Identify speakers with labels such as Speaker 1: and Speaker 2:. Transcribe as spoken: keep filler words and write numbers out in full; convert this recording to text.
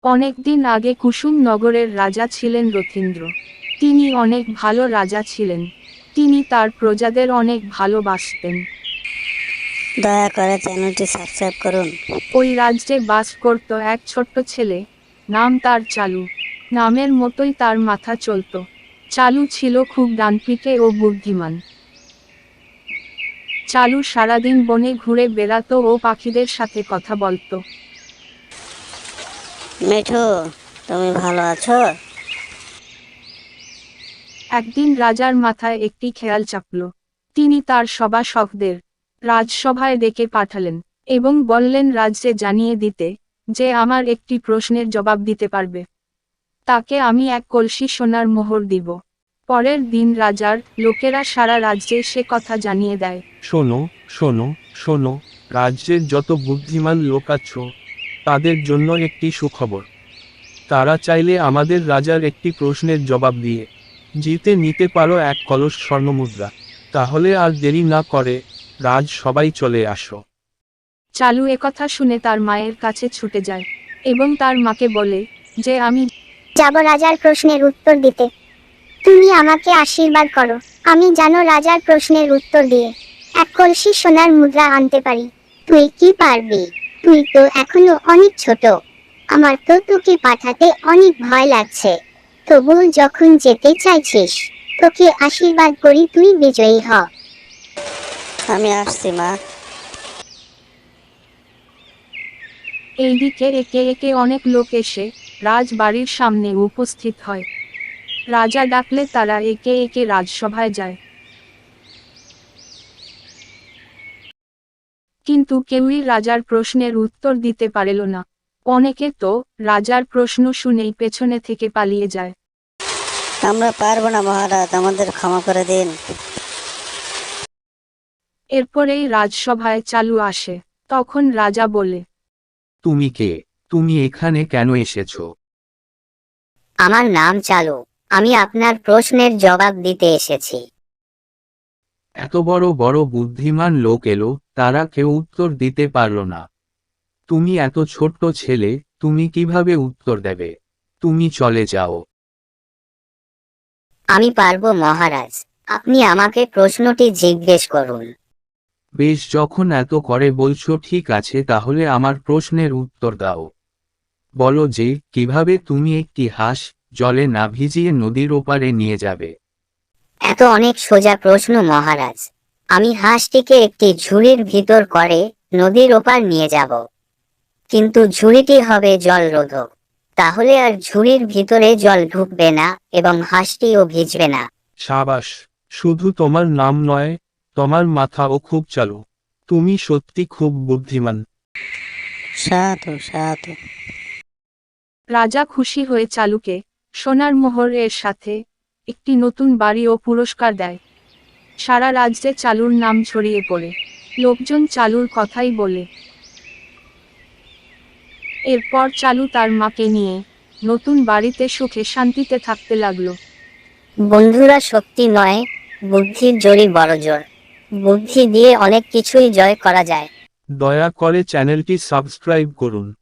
Speaker 1: অনেকদিন আগে কুসুম নগরের রাজা ছিলেন রথীন্দ্র। তিনি অনেক ভালো রাজা ছিলেন। তিনি তার প্রজাদের অনেক ভালোবাসতেন।
Speaker 2: দয়া করে চ্যানেলটি সাবস্ক্রাইব করুন।
Speaker 1: ওই রাজ্যে বাস করত এক ছোট্ট ছেলে, নাম তার চালু। নামের মতোই তার মাথা চলত। চালু ছিল খুব ডানপিটে ও বুদ্ধিমান। চালু সারাদিন বনে ঘুরে বেড়াতো ও পাখিদের সাথে কথা বলতো।
Speaker 2: মিঠু, তুমি ভালো আছো?
Speaker 1: একদিন রাজার মাথায় একটি খেয়াল চাপল। তিনি তার সভাসদদের রাজসভায় ডেকে পাঠালেন এবং বললেন রাজ্যে জানিয়ে দিতে যে আমার একটি প্রশ্নের জবাব দিতে পারবে, তাকে আমি এক কলসি সোনার মোহর দিব। পরের দিন রাজার লোকেরা সারা রাজ্যে সে কথা জানিয়ে দেয়।
Speaker 3: শোনো শোনো শোনো, রাজ্যের যত বুদ্ধিমান লোক আছো তাদের জন্য একটি সুখবর। তারা চাইলে আমাদের রাজার একটি প্রশ্নের জবাব দিয়ে জিতে নিতে পারো এক কলস স্বর্ণমুদ্রা। তাহলে আর দেরি না করে রাজ সবাই চলে আসো।
Speaker 1: চালু একথা শুনে তার মায়ের কাছে ছুটে যায় এবং তার মাকে বলে যে আমি
Speaker 4: যাব রাজার প্রশ্নের উত্তর দিতে। তুমি আমাকে আশীর্বাদ করো, আমি জানো রাজার প্রশ্নের উত্তর দিয়ে এক কলসি সোনার মুদ্রা আনতে পারি। তুই কি পারবি? তুই তো এখনো অনেক ছোট। আমার তো তোকে পাঠাতে অনেক ভয় লাগছে। তবু যখন যেতে চাইছিস, তোকে আশীর্বাদ করি তুই বিজয়ী হ।
Speaker 2: আমি আসছি মা।
Speaker 1: এইদিকে একে একে অনেক লোক এসে রাজবাড়ির সামনে উপস্থিত হয়। রাজা ডাকলে তারা একে একে রাজসভায় যায়। কিন্তু কেউই রাজার প্রশ্নের উত্তর দিতে পারল না। অনেকে তো রাজার প্রশ্ন শুনেই পেছনে থেকে পালিয়ে যায়।
Speaker 2: আমরা পারবো না মহারাজ, আমাদের ক্ষমা করে দিন।
Speaker 1: এরপরেই রাজসভায় চালু আসে। তখন রাজা বলে,
Speaker 3: তুমি কে? তুমি এখানে কেন এসেছো?
Speaker 4: আমার নাম চালু, আমি আপনার প্রশ্নের জবাব দিতে এসেছি।
Speaker 3: এত বড় বড় বুদ্ধিমান লোক এলো, তারা কেউ উত্তর দিতে পারলো না। তুমি এত ছোট্ট ছেলে, তুমি কিভাবে উত্তর দেবে? তুমি চলে যাও।
Speaker 4: আমি পারবো মহারাজ, আপনি আমাকে প্রশ্নটি জিজ্ঞেস করুন।
Speaker 3: বেশ, যখন এত করে বলছো ঠিক আছে, তাহলে আমার প্রশ্নের উত্তর দাও। বলো যে কিভাবে তুমি একটি হাঁস জলে না ভিজিয়ে নদীর ওপারে নিয়ে যাবে।
Speaker 4: এত অনেক সোজা প্রশ্ন মহারাজ। আমি হাঁসটিকে একটি ঝুড়ির ভিতর করে নদীর ওপার নিয়ে যাব, কিন্তু ঝুড়িটি হবে জলরোধক। তাহলে আর ঝুড়ির ভিতরে জল ঢুকবে না এবং হাঁসটিও ভিজবে না।
Speaker 3: সাবাস! শুধু তোমার নাম নয়, তোমার মাথাও খুব চালু। তুমি সত্যি খুব বুদ্ধিমান।
Speaker 2: সাধু সাধু।
Speaker 1: রাজা খুশি হয়ে চালুকে সোনার মোহর এর সাথে একটি নতুন বাড়ি ও পুরস্কার দেয়। সারা রাজ্যে চালুর নাম ছড়িয়ে পড়ে। লোকজন চালুর কথাই বলে। এরপর চালু তার মাকে নিয়ে নতুন বাড়িতে সুখে শান্তিতে থাকতে লাগলো।
Speaker 4: বন্ধুরা, শক্তি নয়, বুদ্ধির জোরই বড় জোর। বুদ্ধি দিয়ে অনেক কিছুই জয় করা যায়।
Speaker 3: দয়া করে চ্যানেলটি সাবস্ক্রাইব করুন।